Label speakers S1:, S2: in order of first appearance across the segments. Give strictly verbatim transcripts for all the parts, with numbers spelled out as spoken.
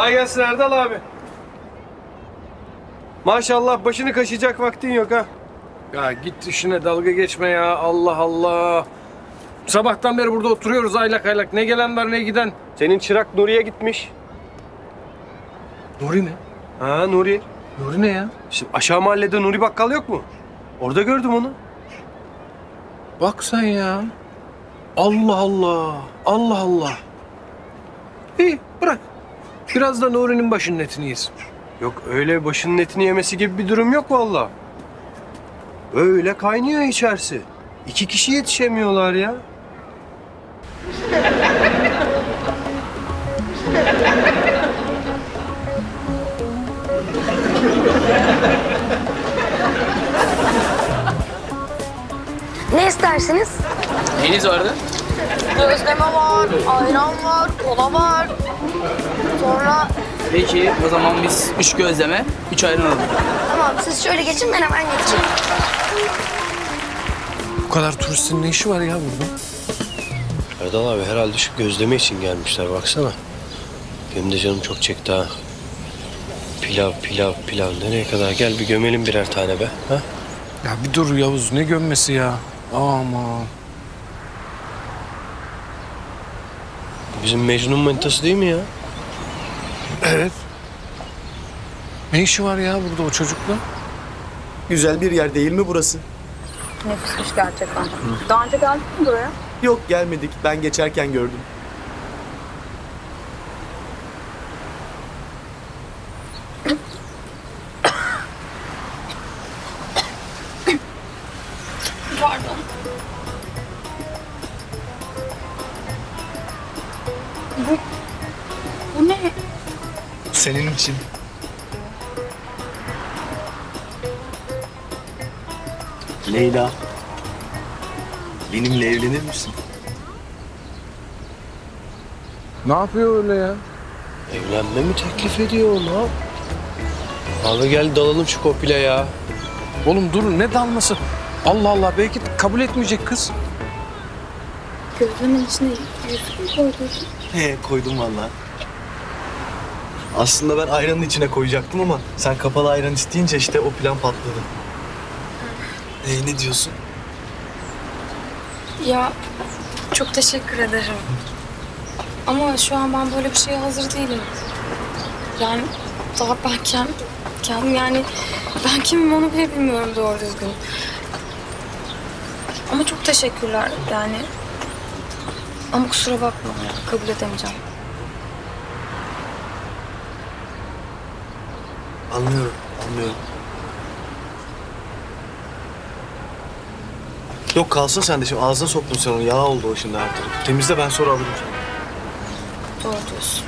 S1: Kolay gelsin Erdal abi. Maşallah başını kaşıyacak vaktin yok ha.
S2: Ya git işine, dalga geçme ya. Allah Allah. Sabahtan beri burada oturuyoruz aylak aylak. Ne gelen var ne giden.
S1: Senin çırak Nuri'ye gitmiş.
S2: Nuri mi?
S1: Ha Nuri.
S2: Nuri ne ya?
S1: Şimdi aşağı mahallede Nuri Bakkal yok mu? Orada gördüm onu.
S2: Bak sen ya. Allah Allah. Allah Allah. İyi bırak. Biraz da Nuri'nin başının etini yesin.
S1: Yok öyle başının etini yemesi gibi bir durum yok vallahi. Öyle kaynıyor içerisi. İki kişi yetişemiyorlar ya.
S3: Ne istersiniz?
S4: Neyiniz vardı?
S3: Gözleme var, ayran var, kola var. Sonra
S4: Peki o zaman biz üç gözleme, üç ayran alalım.
S3: tamam siz şöyle geçin ben hemen geçeyim.
S2: Bu kadar turistin ne işi var ya burada?
S1: Erdal abi herhalde şu gözleme için gelmişler baksana. Benim de canım çok çekti ha. Pilav, pilav, pilav. Nereye kadar? Gel bir gömelim birer tane be. Ha?
S2: Ya bir dur Yavuz, ne gömmesi ya? Aman.
S1: Bizim Mecnun manitası değil mi ya?
S2: Evet. Ne işi var ya burada o çocukla?
S5: Güzel bir yer değil mi burası?
S3: Nefismiş gerçekten. Daha önce geldin mi buraya?
S5: Yok gelmedik. Ben geçerken gördüm.
S3: Pardon. Bu, bu ne?
S5: Senin için. Leyla. Benimle evlenir misin?
S2: Ne yapıyor öyle ya?
S1: Evlenme mi teklif ediyor o, ne yap? Abi gel dalalım şu kopile ya.
S2: Oğlum dur, ne dalması? Allah Allah, belki kabul etmeyecek kız.
S3: Gözlemin içine yüzük mü koydun?
S5: He koydum vallahi. Aslında ben ayranın içine koyacaktım ama sen kapalı ayran isteyince işte o plan patladı. Ee, ne diyorsun?
S6: Ya çok teşekkür ederim. Ama şu an ben böyle bir şeye hazır değilim. Yani daha ben kendim, kendim yani ben kimim onu bile bilmiyorum doğru düzgün. Ama çok teşekkürler yani. Ama kusura bakma kabul edemeyeceğim.
S5: Anlıyorum, anlıyorum. Yok kalsın sen de şimdi ağzına soktun sen onu. Yağ oldu o şimdi her tarafı. Temizle ben sonra alırım.
S6: Doğru diyorsun.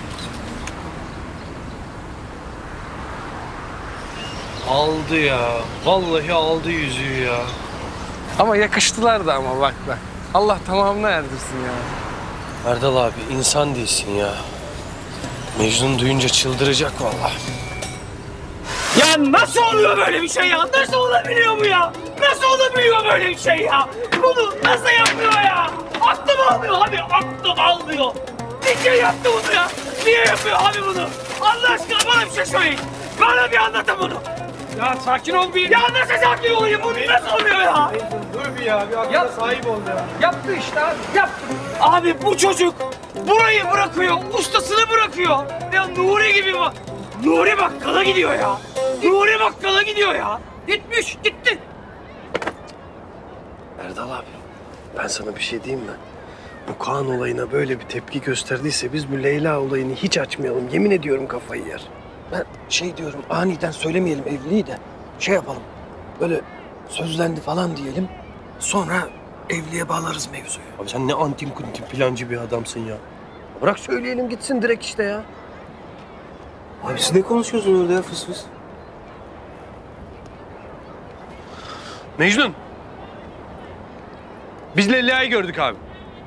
S1: Aldı ya. Vallahi aldı yüzüğü ya.
S2: Ama yakıştılar da ama bak bak. Allah tamamını erdirsin ya.
S1: Erdal abi insan değilsin ya. Mecnun duyunca çıldıracak vallahi.
S4: Ya nasıl oluyor böyle bir şey ya? Nasıl olabiliyor bu ya? Nasıl olabiliyor böyle bir şey ya? Bunu nasıl yapıyor ya? Aklım almıyor abi, aklım almıyor. Niçin yaptı bunu ya? Niye yapıyor abi bunu? Allah aşkına bana bir şey söyleyin. Bana bir anlatın bunu.
S2: Ya sakin ol bir.
S4: Ya nasıl sakin olayım? Bu nasıl oluyor ya?
S1: Dur bir ya. Bir akla sahip ol ya.
S2: Yaptı işte abi, yaptı.
S4: Abi bu çocuk burayı bırakıyor, ustasını bırakıyor. Ya Nuri gibi bak. Nuri bakkala gidiyor ya. Nuri bakkala gidiyor ya. Gitmiş, gitti.
S1: Erdal abi ben sana bir şey diyeyim mi? Bu Kaan olayına böyle bir tepki gösterdiyse biz bu Leyla olayını hiç açmayalım. Yemin ediyorum kafayı yer.
S2: Ben şey diyorum, aniden söylemeyelim evliliği de şey yapalım. Böyle sözlendi falan diyelim. Sonra evliliğe bağlarız mevzuyu.
S1: Abi sen ne antin kuntin plancı bir adamsın ya. Bırak söyleyelim gitsin direkt işte ya.
S5: Abi siz ne konuşuyorsunuz orada ya fıs fıs?
S1: Mecnun. Biz Leyla'yı gördük abi.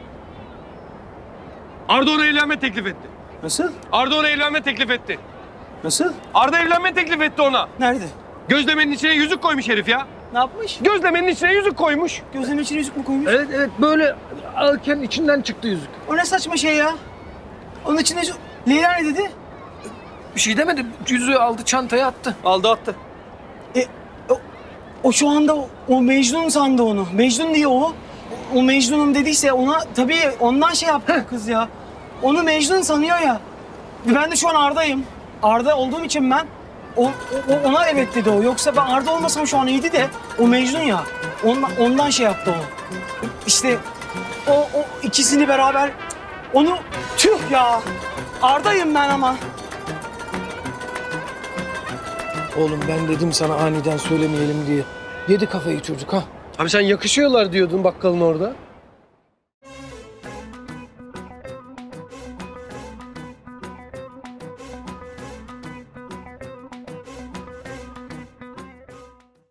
S1: Arda ona evlenme teklif etti.
S5: Nasıl?
S1: Arda ona evlenme teklif etti.
S5: Nasıl?
S1: Arda evlenme teklif etti ona.
S5: Nerede?
S1: Gözlemenin içine yüzük koymuş herif ya.
S5: Ne yapmış?
S1: Gözlemenin içine yüzük koymuş.
S5: Gözlemin içine yüzük mü koymuş?
S2: Evet evet, böyle alırken içinden çıktı yüzük.
S5: O ne saçma şey ya? Onun içine şu... Leyla ne dedi?
S2: Bir şey demedi. Yüzüğü aldı, çantaya attı.
S4: Aldı attı.
S7: E, o, o şu anda o, o Mecnun sandı onu. Mecnun diye o. O Mecnun'um dediyse ona tabii ondan şey yaptı kız ya. Onu Mecnun sanıyor ya. Ben de şu an Arda'yım. Arda olduğum için ben o, o- ona evet dedi o. Yoksa ben Arda olmasam şu an iyiydi de o Mecnun ya. Ondan, ondan şey yaptı o. İşte o, o ikisini beraber onu tüh ya. Arda'yım ben ama.
S2: Oğlum ben dedim sana aniden söylemeyelim diye. Yedi kafayı çocuk ha.
S1: Abi sen yakışıyorlar diyordun bakkalın orada.